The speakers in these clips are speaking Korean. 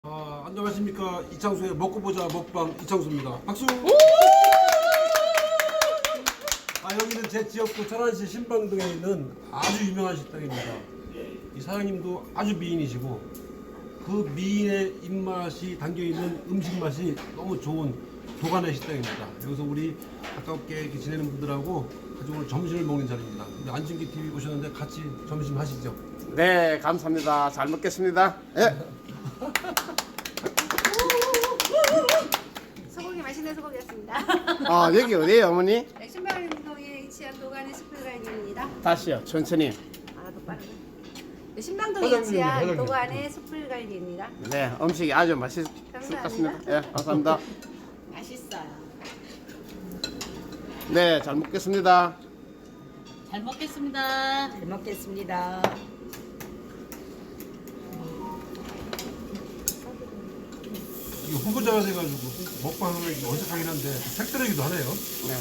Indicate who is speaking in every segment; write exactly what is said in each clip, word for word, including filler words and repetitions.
Speaker 1: 아, 안녕하십니까. 이창수의 먹고 보자 먹방 이창수입니다. 박수! 아, 여기는 제 지역구 천안시 신방동에 있는 아주 유명한 식당입니다. 이 사장님도 아주 미인이시고 그 미인의 입맛이 담겨있는 음식 맛이 너무 좋은 도가네 식당입니다. 여기서 우리 가깝게 이렇게 지내는 분들하고 아주 오늘 점심을 먹는 자리입니다. 안준기 티비 오셨는데 같이 점심 하시죠.
Speaker 2: 네, 감사합니다. 잘 먹겠습니다. 예.
Speaker 3: 소고기 맛있는 소고기였습니다.
Speaker 2: 아, 여기 어디에요, 어머니?
Speaker 3: 신방동에 위치한 도가니 숯불갈비입니다.
Speaker 2: 다시요, 천천히.
Speaker 3: 아, 더 빠르네. 신방동에
Speaker 1: 사장님,
Speaker 3: 위치한
Speaker 1: 사장님.
Speaker 3: 도가니 숯불갈비입니다.
Speaker 2: 네, 음식이 아주 맛있을 것
Speaker 3: 감사합니다.
Speaker 2: 같습니다. 예, 감사합니다.
Speaker 4: 맛있어요.
Speaker 2: 네, 잘 먹겠습니다.
Speaker 4: 잘 먹겠습니다.
Speaker 3: 잘 먹겠습니다.
Speaker 1: 이거 후보자가 돼가지고 먹방을 어색하긴 한데 색다르기도 하네요.
Speaker 2: 네.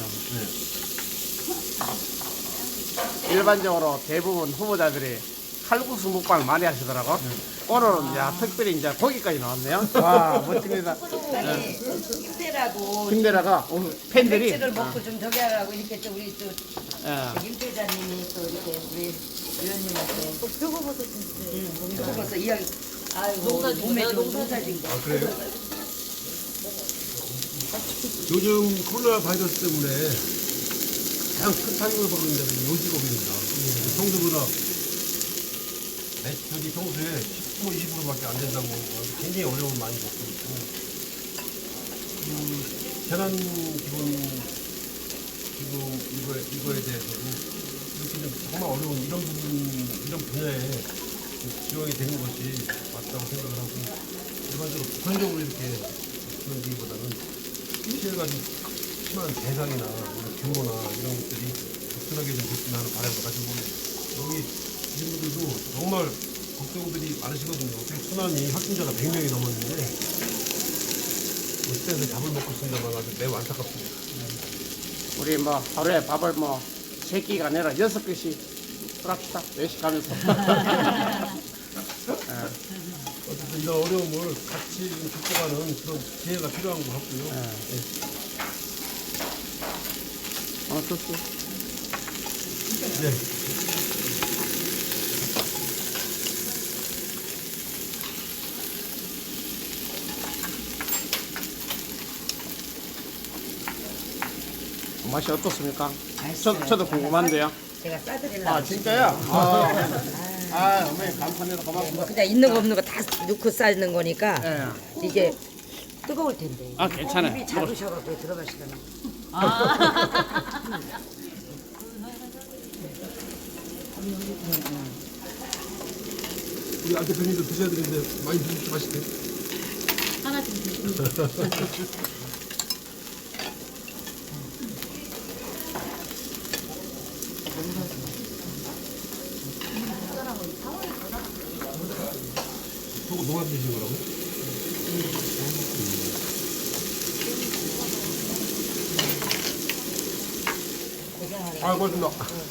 Speaker 1: 네.
Speaker 2: 일반적으로 대부분 후보자들이 칼국수 먹방을 많이 하시더라고. 오늘은 야, 특별히 이제 고기까지 나왔네요. 와, 멋집니다.
Speaker 5: 아니 힘내라고
Speaker 2: 힘내라가 오늘 팬들이
Speaker 5: 백지를 먹고 좀 저기 하라고 이렇게 또 우리 또
Speaker 2: 예.
Speaker 5: 임대자님이 또 이렇게 우리 의원님한테
Speaker 3: 표고버섯 주세요.
Speaker 5: 그거서 이야기 아이고
Speaker 4: 농사지고
Speaker 5: 몸에
Speaker 4: 내가
Speaker 5: 좀
Speaker 4: 농사지고.
Speaker 5: 농사진 거
Speaker 1: 아, 그래요? 요즘 코로나 바이러스 때문에 가장 큰 타격을 받는 데는 요직업입니다. 평소보다 매출이 평소에 십 퍼센트, 이십 퍼센트밖에 안 된다고 굉장히 어려움을 많이 겪고 있고, 그 재난 기본 기금 이거에, 이거에 대해서도 이렇게 좀 정말 어려운 이런 부분, 이런 분야에 지원이 되는 것이 맞다고 생각을 하고, 일반적으로 보편적으로 이렇게 그런 기보다는 피해가 좀 심한 대상이나 이런 규모나 이런 것들이 적절하게 좀 됐으면 하는 바람을 가지고 여기 이분들도 정말 걱정들이 많으시거든요. 어떻게 순환이 확진자가 백 명이 넘었는데 어쨌든 답을 먹고 있습니다만 아주 매우 안타깝습니다.
Speaker 2: 우리 뭐 하루에 밥을 뭐 세 끼가 아니라 여섯 끼씩 합시다. 외식하면서. 예.
Speaker 1: 어쨌든 이런 어려움을 같이 좀 극복하는 그런 기회가 필요한 것 같고요.
Speaker 2: 예. 어, 좋지.
Speaker 1: 네.
Speaker 2: 맛이 어떻습니까?
Speaker 5: 맛있어요.
Speaker 2: 저, 저도 궁금한데요.
Speaker 5: 제가 싸드리려고
Speaker 2: 아, 진짜요? 아, 아, 어머니 감사합니다. 고맙습니다.
Speaker 5: 그냥 있는 거 없는 거 다 넣고 싸는 거니까
Speaker 2: 예.
Speaker 5: 이게 뜨거울 텐데
Speaker 2: 아, 괜찮아요.
Speaker 5: 입이 작으셔갖고 들어가시더라고
Speaker 4: 아.
Speaker 1: 우리 안 대표님도 드셔야 되는데 많이 드십시오. 맛있게.
Speaker 4: 하나 주세요.
Speaker 1: 저거 농합 드신 거라고? 아, 고맙습니다.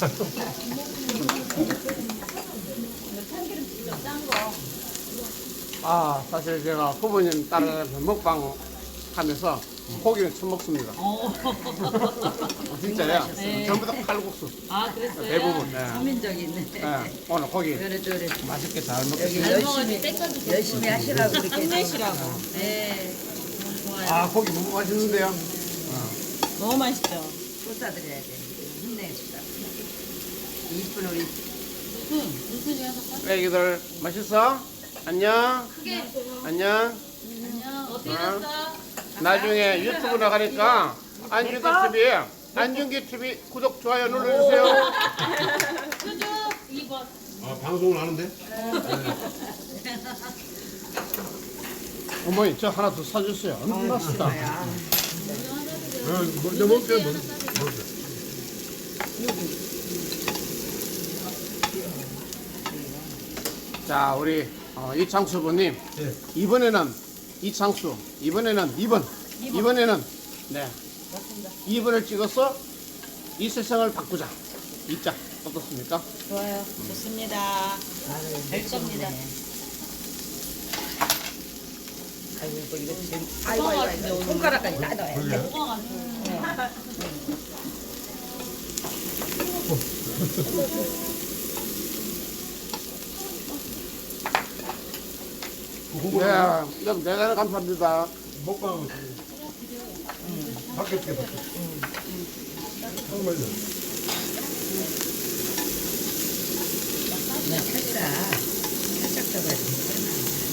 Speaker 2: 아, 사실 제가 후보님 따라서 먹방 하면서 고기를 처음 먹습니다.
Speaker 4: 어.
Speaker 2: 진짜요?
Speaker 4: 네.
Speaker 2: 전부 다 칼국수.
Speaker 4: 아, 그랬어요?
Speaker 2: 대부분. 네.
Speaker 5: 서민적인
Speaker 2: 예, 오늘 고기
Speaker 5: 그래 저래
Speaker 2: 맛있게 잘
Speaker 5: 여기
Speaker 2: 먹겠습니다.
Speaker 4: 잘 먹어야지
Speaker 5: 열심히
Speaker 4: 땡겨주세요.
Speaker 5: 열심히 하시라고 이렇게
Speaker 4: 힘내시라고. 네. 좋아요.
Speaker 2: 아, 고기 너무 맛있는데요?
Speaker 4: 너무 맛있죠?
Speaker 5: 또 싸드려야 돼 힘내시라 이쁜 우리
Speaker 4: 무슨, 무슨 녀석?
Speaker 2: 애기들 맛있어? 안녕?
Speaker 4: 크게.
Speaker 2: 안녕?
Speaker 4: 안녕. 어떻게
Speaker 2: 어?
Speaker 4: 됐어?
Speaker 2: 나중에 유튜브 나가니까 안준기 티비, 안준기 티비 구독, 좋아요 눌러주세요.
Speaker 4: 수주 이 번.
Speaker 1: 아, 방송을 하는데?
Speaker 2: 어머니, 저 하나 더 사주세요. 안 맛있다.
Speaker 1: 아, 먼저 먹을게요. 먼저 먹을게요.
Speaker 2: 자, 우리 어, 이창수 부님.
Speaker 1: 예.
Speaker 2: 이번에는 이창수, 이번에는 이 번, 이번에는 네, 이 번을 찍어서 이 세상을 바꾸자. 이자 어떻습니까?
Speaker 4: 좋아요. 좋습니다. 될 겁니다.
Speaker 3: 아이고 이거 이거 지금 아이고 아이고 아이고 손가락까지 다 넣어야 돼.
Speaker 1: 그러게.
Speaker 4: 먹어가지고.
Speaker 2: 네, 여러분 대단히 감사합니다.
Speaker 1: 먹방하고 밖에 있게 밖에. 정말요.
Speaker 5: 나 살짝 살짝 잡아야 돼.